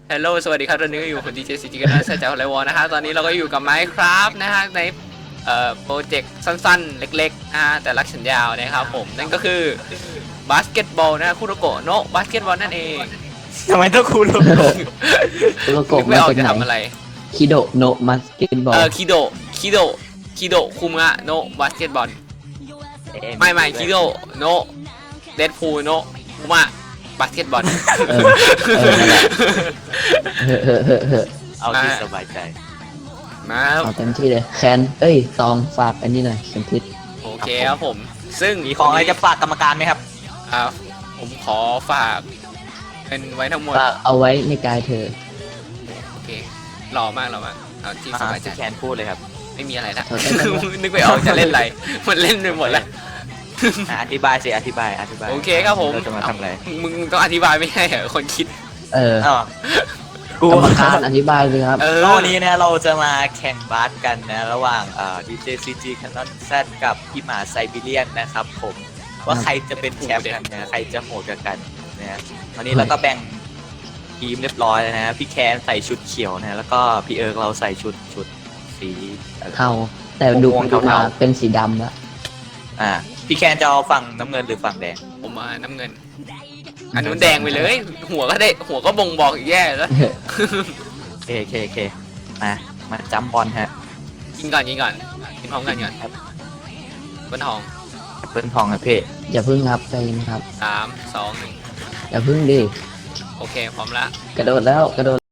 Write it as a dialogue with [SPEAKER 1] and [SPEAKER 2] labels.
[SPEAKER 1] ฮัลโหลสวัสดีครับตอนนี้ก็อยู่กับดีเจซีจีกันนะเซจากไลวอนะฮะตอนนี้เราก็อยู่กับ Minecraft นะฮะในโปรเจกต์สั้นๆ เล็กๆนะฮะแต่รักฉันยาวนะครับผมนั่นก็คือบาสเกตบอลนะคุโรโกะโนะบาสเกตบอลนั่นเอง
[SPEAKER 2] ทำไมต้องคูโรโกะ
[SPEAKER 3] คุโรโกะ
[SPEAKER 1] ไม่
[SPEAKER 3] มา
[SPEAKER 1] ออก
[SPEAKER 3] จาก
[SPEAKER 1] จะ
[SPEAKER 3] ไหน
[SPEAKER 1] ทำอะไร
[SPEAKER 3] คิโดโนะมัสเกตบอล
[SPEAKER 1] คิโดคุมะโนะบาสเกตบอลไม่คิโดโนะเดดพูลโนะคุมะบาสเกตบอล
[SPEAKER 3] เออนั่นแหละเฮ้อ
[SPEAKER 2] เอาที่สบายใจ
[SPEAKER 1] มา
[SPEAKER 3] เอาเต็มที่เลยแคนตองฝากอันนี้หน่อยเข็มทิศ
[SPEAKER 1] โอเคครับผมซึ่ง
[SPEAKER 2] มีของอะไรจะฝากกรรมการไหมครับ
[SPEAKER 1] ผมขอฝากเป็นไว้ทั้งหมด
[SPEAKER 3] ฝากเอาไว้ในกายเธอ
[SPEAKER 1] โอเคหล่อมากเอาที่สบายใจ
[SPEAKER 2] พี่แคนพูดเลยครับ
[SPEAKER 1] ไม่มีอะไรละ
[SPEAKER 3] ขอโทษครับ
[SPEAKER 1] นึกไม่ออกจะเล่นอะไรมันเล่นไปหมดแล้ว
[SPEAKER 2] อธิบายสิอธิบาย
[SPEAKER 1] โอเคครับผม
[SPEAKER 2] เราจะมาทำอะไร
[SPEAKER 1] มึงต้องอธิบายไม่ใช่เหรอคนคิด
[SPEAKER 3] เออ
[SPEAKER 2] อ๋อก
[SPEAKER 3] รรมการอธิบายเลยครับ
[SPEAKER 2] แล้ววันนี้นะเราจะมาแข่งบาสกันนะระหว่างDJCG Canon Z กับพี่หมาไซบีเรียนนะครับผมว่าใครจะเป็นแชมป์กันนะใครจะโหดกันนะฮะวันนี้เราก็แบ่งทีมเรียบร้อยแล้วนะพี่แคนใส่ชุดเขียวนะแล้วก็พี่เอิร์กเราใส่ชุดสี
[SPEAKER 3] เทาแต่ดู
[SPEAKER 2] ม่วง
[SPEAKER 3] ดูมา
[SPEAKER 2] เทา
[SPEAKER 3] เป็นสีดำแล้ว
[SPEAKER 2] พี่แคนจะเอาฝั่งน้ำเงินหรือฝั่งแดง
[SPEAKER 1] ผมมาน้ำเงินอันนู้นแดงไปเลย หัวก็บ่งบอกอีกแย่แล้ว
[SPEAKER 2] โอเคมาจัมบอลฮะ
[SPEAKER 1] กินก่อนกินพร้อมกันก่อนบนทอง
[SPEAKER 2] เปิ้ลทองครับพี่
[SPEAKER 3] อย่าพึ่งครับใจเย็นครับ
[SPEAKER 1] 3 2 1
[SPEAKER 3] อย่าพึ่งดิ
[SPEAKER 1] โอเคพร้อมละ
[SPEAKER 3] กระโดดแล้วกระโดด